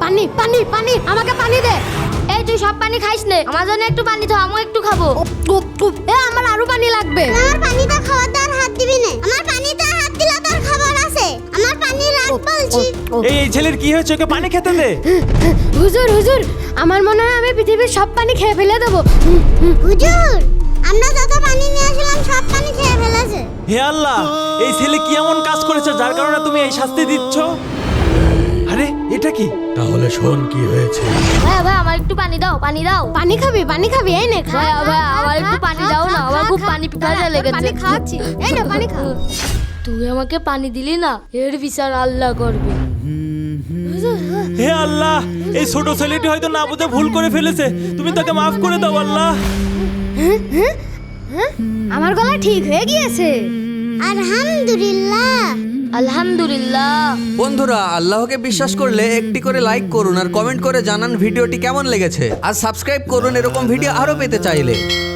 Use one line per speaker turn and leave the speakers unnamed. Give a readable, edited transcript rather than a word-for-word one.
পানি পানি পানি, আমাকে পানি দে।
এই তুই সব পানি খাইস নে, আমার জন্য একটু পানি দাও, আমিও একটু খাবো।
আমার আরো পানি লাগবে।
আমার পানিটা খাওয়ার দার হাত দিবি না, আমার পানিতে হাত দিলে তোর খাবার আছে, আমার পানি রাখ বলছি।
এই ছেলের কি হয়েছে? ওকে পানি খেতে দে।
হুজুর হুজুর, আমার মনে হয় আমি পৃথিবীর সব পানি খেয়ে ফেলে দেবো।
হুজুর, আমরা যত পানি নিয়ে আসলাম সব পানি খেয়ে ফেলেছে।
হে আল্লাহ, এই ছেলে কি এমন কাজ করেছে যার কারণে তুমি এই শাস্তি দিচ্ছ? আরে এটা কি?
তাহলে শোন কি হয়েছে।
ভাই ভাই আমার একটু পানি দাও, পানি দাও।
পানি খাবি? পানি খাবি? এই নে খা।
ভাই ভাই আমার একটু পানি দাও না, আমার খুব পানি পিপাসা লেগেছে।
পানি খাওয়াচ্ছি, এই নে পানি খা।
তুই আমাকে পানি দিলি না, এর বিচার আল্লাহ করবে।
হে আল্লাহ, এই ছোট ছেলেটি হয়তো না বুঝে ভুল করে ফেলেছে, তুমি তাকে মাফ করে দাও আল্লাহ।
আমার গলা ঠিক হয়ে গিয়েছে।
আলহামদুলিল্লাহ।
আলহামদুলিল্লাহ।
বন্ধুরা, আল্লাহকে বিশ্বাস করলে একটি করে লাইক করুন আর কমেন্ট করে জানান ভিডিওটি কেমন লেগেছে, আর সাবস্ক্রাইব করুন এরকম ভিডিও আরো পেতে চাইলে।